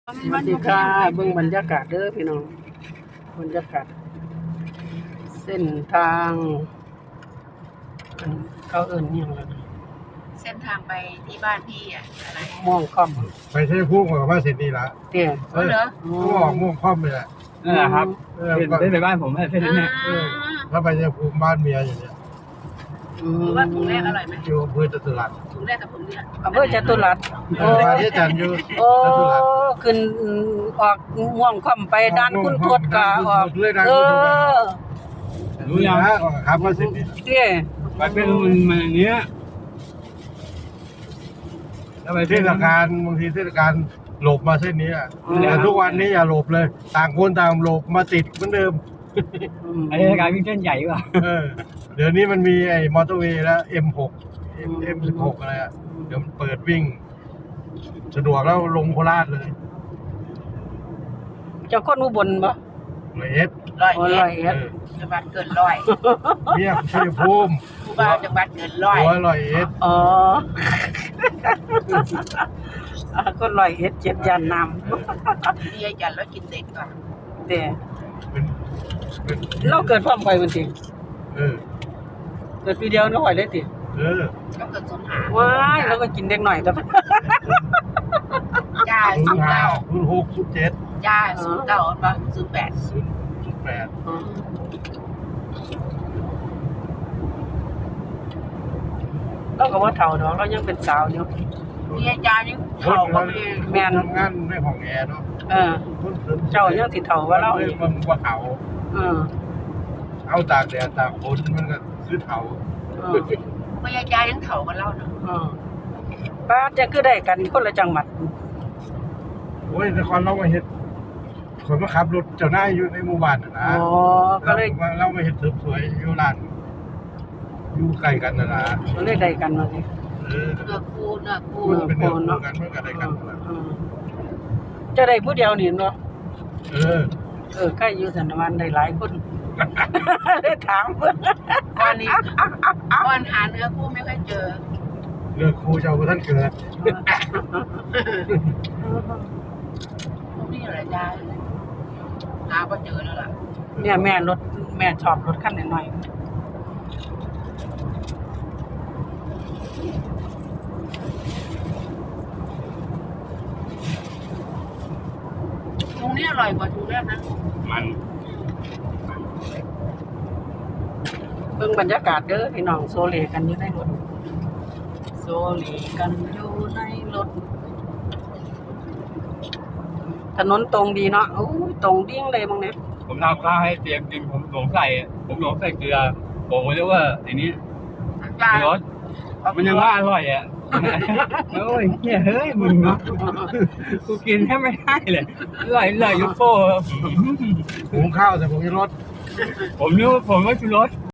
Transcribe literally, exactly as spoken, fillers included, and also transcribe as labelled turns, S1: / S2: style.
S1: สวัสดีค่ะเบิ่งบรรยากาศเด้อพี่น้องบรรยากาศเส้นทางอันเขาเอิ้นอิหยังล่ะนะ
S2: เส้นทางไปที่บ้านพี่อ่ะอะไร
S1: ม่วงค่อม
S3: ไปใช้พุ่งกับว่าเสร็จนี่ละ
S1: เตี้ย
S2: เออเหรอ
S3: ก็ออกม่วงคว่ำไปแหละ
S4: นั่นแหละครับ
S3: เออ
S4: เส้น
S3: ก็
S4: เส้นไปบ้านผมเส้นนั้นเนี่ย
S2: อ่า
S3: ถ้าไปใช้ภูมิบ้านเมียอย่างเนี้ย
S1: อื
S2: หรือว่าถุงแรกอร่อยไหม
S3: อยู่อำเภอจตุรัส
S2: ถุงแรกกับถุงเนี้ย
S1: อำเภอจตุรัส
S3: เอ
S1: โอ้
S3: อมาที่จันทร์อยู่
S1: โอ้
S3: จตุรัส
S1: ขึ้นออกม่วงค่อมไปด้านคุณทวดกะออก
S3: เลยด้าน
S1: เอ
S3: คุณทวดกะ
S1: อ
S4: รู้ยัง
S3: นะครับว่าเสร็จนี่
S1: เตี้ย
S4: ไปเป็นมันมันอย่างเงี้ยแล้วไป
S3: เทศกาลบางทีเทศกาลหลบมาเส้นนี้อะแต่ทุกวันนี้อย่าหลบเลย ต่างคนต่างหลบมาติดเหมือนเดิม
S1: อืม
S4: ไอ้การวิ่งเส้นใหญ่ป่ะ
S3: เออ เดี๋ยวนี้มันมีไอ้มอเตอร์เวย์แล้ว เอ็ม หก เอ็ม สิบหก อะไรอะเดี๋ยวมันเปิดวิ่ง สะดวกแล้วลงโคราชเลย
S1: เจ้าคนอุบลบ่
S3: เลยเอส
S2: ร้อย
S1: โอ้
S2: เอ็
S1: ร้อ
S2: ด
S1: ยเอ็ด
S2: จังหวัดเกินร้อย
S3: เมียชัยภูมิ
S2: ผู้บ่าวจังหวัดเกินร้อย
S3: หัวลอยเอส
S1: อ๋อ อ่าคนร้อยเอ็ดเจ็ดยานน้
S2: พี่ยายจันแล้วกินเด็กก่อน
S1: ำเตี้ย
S3: เป็นเป็น
S1: เราเกิดพร้อมไปมันติ
S3: เออ
S1: เกิดปีเดียวน้อยเลยติ
S3: เออ
S2: ก็เกิดสมหา
S1: ว้ายแล้วก็กินเด็กหน่อยแล้ว
S2: จ้า
S3: ศู
S2: ศู
S3: น
S2: น
S3: ย์
S2: ย์
S3: ห้า
S2: เก้า
S3: ศูนย์หกศูนย์เจ็ด
S2: จ้าศูนย์เก้าบ้างศูนย์แปด
S3: ศูนย์ศูนย์แปด
S1: เราก็ว่าเฒ่าดอกเรายังเป็นสาวอยู่
S2: พี่ยายจันยังเข่าก็มี
S1: แม่น
S3: ทำงานในห้องแอร์เนาะ
S1: เออ
S3: คนสริม
S1: เจ้ายังสิเฒ่าว่าเรา
S3: เล
S1: อี
S3: ย
S1: ก
S3: มันว่าเขา
S1: เออ
S3: เอาตากแดดตากฝนมันก็ซื้อเถา
S1: เออ
S2: พี่ยายจันยังเข่ากันเล่าเนาะ
S1: เออป้าจะคือได้กันคนละจังหวัด
S3: โอ้ยนครเรามาเห็ดคนมาขับรถเจ้านายอยู่ในหมู่บ้านน่ะ
S1: อ๋
S3: นะ
S1: อก็เลย
S3: เราเรามาเห็ดเสริมสวยอยู่ร้านอยู่ใกล้กันนะนะ
S1: ก็เลยได้กันมาสิ
S3: เออ
S2: เนื้อคู่เนื้อคู่
S3: มันเป็นเนื้อคู่กันมันก็ได้กันนั่นแหละ
S1: เออจะได้ผู้เดียวนี่เนาะ
S3: เออ
S1: เออใกล้อยู่สันวันได้หลายคน ได้ถามเพิ่น
S2: ก้อนนี้ก้อนหาเนื้อคู่ไม่ค่อยเจอ
S3: เลือกครูเจ้าท่านเกิด
S2: พวกนี้อะไรจ้าหาก็เจอแล้วล่ะ
S1: เนี่ยแม่รถแม่ชอบรถคันหน่อยๆ
S2: ตรงนี้อร่อยกว่าถุงแรกนะ
S4: มัน
S1: เบิ่งบรรยากาศเด้อพี่น้องโซเลกันอยู่ในรถโซเลกันอยู่ในรถถนนตรงดีเนาะโอ้ยตรงดิ่งเลยมึงเนี่ย
S4: ผมทำข้าวให้เตรียมกินผมหลงใส่ผมหลงใส่เกลือผมก็เรียกว่าไอ้นี้
S2: จ้าร
S4: สมันยังว่าอร่อยอ่ะโอ้ยเฮ้ยเฮ้ยมึงเนาะกูกินแทบไม่ได้เลยอร่อยอร่อยยุโป้
S3: หุงข้าวแต่ผมจะรถ
S4: ผมนึกว่าผมว่าชูรส